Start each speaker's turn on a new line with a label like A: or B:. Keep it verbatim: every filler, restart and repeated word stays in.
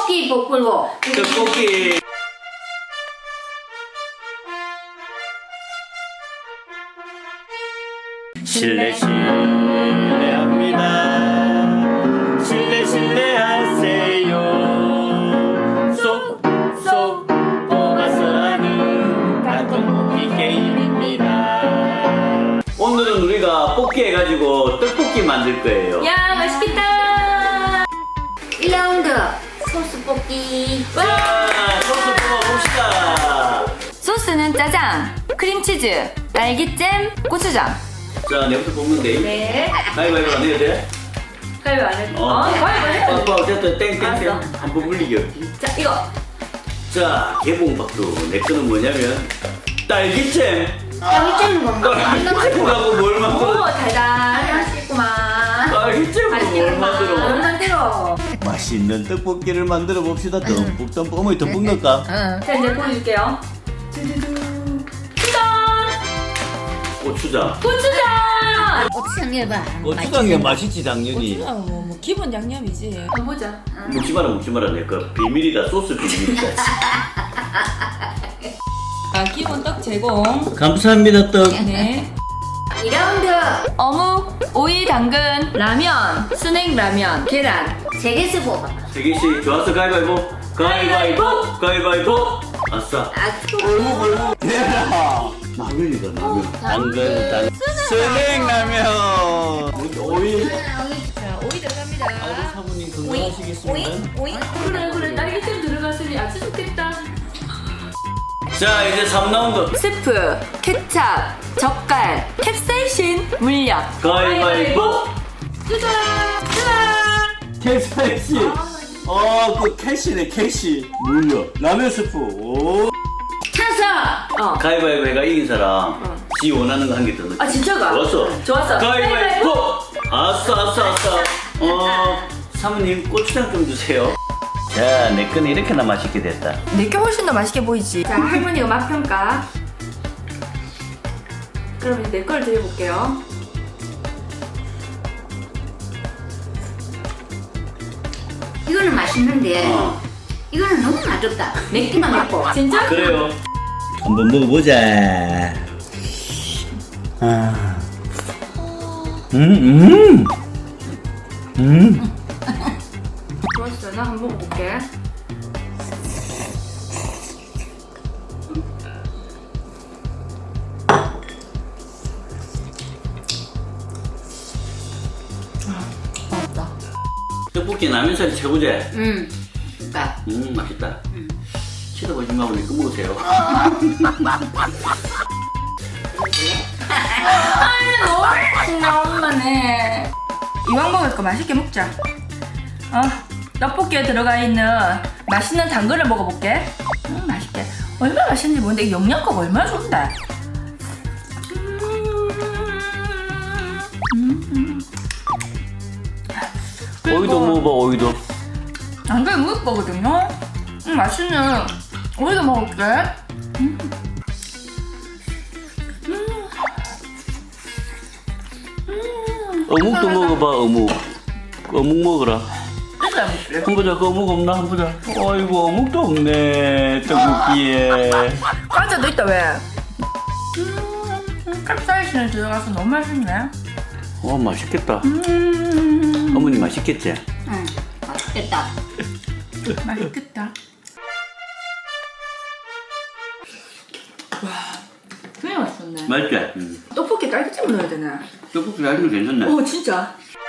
A: 떡볶이 볶고.
B: 떡볶이. 실례 실례합니다. 실례 실례하세요. 쏙쏙 뽑아서 하는 닭떡볶이 게임입니다. 오늘은 우리가 뽑기 해가지고 떡볶이 만들 거예요.
A: 야, 맛있겠다. 일 라운드 소스 볶기.
B: 자, 소스 뽑아봅시다.
C: 소스는 짜장, 크림치즈, 딸기잼, 고추장.
B: 자, 내부터 뽑는 데.
A: 네.
B: 가위바위보 안 해도 돼?
A: 가위 안 해.
B: 어.
A: 아, 가위 안 해.
B: 오빠 어쨌든 땡땡땡
A: 알았어.
B: 한번 물리기 없지.
A: 자, 이거.
B: 자, 개봉박도 내 거는 뭐냐면 딸기잼.
A: 딸기잼 뭔가.
B: 딸기잼하고 뭘
A: 오,
B: 만들어?
A: 달달해. 맛있구만.
B: 딸기잼으로 뭘 만들어?
A: 뭘 만들어?
B: 맛있는 떡볶이를 만들어 봅시다. 듬뿍 듬뿍. 어머니 듬뿍 넣을까?
A: 자, 이제 보여줄게요. 두두두. 짜잔!
B: 고추장.
A: 고추장!
D: 고추장 해봐.
B: 고추장이 맛있지 당연히.
D: 고추장 뭐, 뭐 기본 양념이지.
A: 한번 보자.
B: 먹지 마라 먹지 마라 내 거 비밀이다. 소스 비밀이다.
D: 아 기본 떡 제공.
B: 감사합니다 떡.
D: 네.
A: 이 라운드.
C: 어묵, 오이, 당근, 라면, 순액 라면, 계란.
A: 세 개씩 뽑아.
B: 세기씨 좋았어. 가위바위보. 가위바위보. 가위바위보. 아싸.
A: 아,
B: 얼무 얼무. 대박. 라면이다 라면. 당근 당. 순액라면. 오이.
D: 자 오이 들어갑니다.
B: 아주 사모님 건강하시겠습니다.
D: 오이.
A: 그래, 그래. 딸기잼 들어갔으니 아주 좋겠다.
B: 자 이제 삼 라운드.
C: 스프, 케찹, 젓갈, 캡사이신, 물엿.
B: 가위바위보.
A: 짜잔! 짜잔!
B: 캐시. 어, 그 캐시네 캐시. 물려. 라면 스프. 오.
A: 차서! 어.
B: 가위바위보 해가 이긴 사람. 지 원하는 거 한 개 더 넣자.
A: 아, 진짜가?
B: 좋았어.
A: 좋았어.
B: 가위바위보. 아싸 아싸 아싸. 어, 사모님 고추장 좀 주세요. 자, 내 거는 이렇게나 맛있게 됐다.
C: 내게 훨씬 더 맛있게 보이지.
A: 자, 할머니가 맛평가. 그럼 이제 내 걸 드려볼게요.
E: 이거는 맛있는데
B: 어.
E: 이거는 너무 맛없다. 맵기만 먹고.
A: 진짜?
B: 그래요. 한번 먹어보자. 아. 음, 음. 음.
A: 좋았어. 나 한번 먹어볼게.
B: 떡볶이 라면살이 최고지?
E: 음. 그러니까
B: 음, 맛있다. 쳐다보지 말고 내거 먹으세요.
C: 나 엄마네. 이왕 먹을 거 맛있게 먹자. 어, 떡볶이에 들어가 있는 맛있는 당근을 먹어볼게. 음, 맛있게. 얼마나 맛있는지 모르는데 이 영양가가 얼마나 좋은데.
B: 오이도 먹어봐, 오이도.
C: 당근이 무을 거거든요. 음, 맛있는 오이도 먹을게.
B: 어묵도 먹어봐, 어묵. 어묵 먹어라.
A: 진짜 먹을게.
B: 한 보자, 그 어묵 없나? 한 보자. 어이구, 어묵도 없네, 떡볶이에.
C: 과자도 있다 왜? 음, 캡사이신이 들어가서 너무 맛있네.
B: 어, 맛있겠다.
C: 음,
B: 어머니 맛있겠지?
E: 응. 맛있겠다.
C: 맛있겠다. 와, 되게 맛있었네.
B: 맛있지? 응.
C: 떡볶이 딸기잼 넣어야 되네.
B: 떡볶이 아주 괜찮네.
C: 오, 진짜.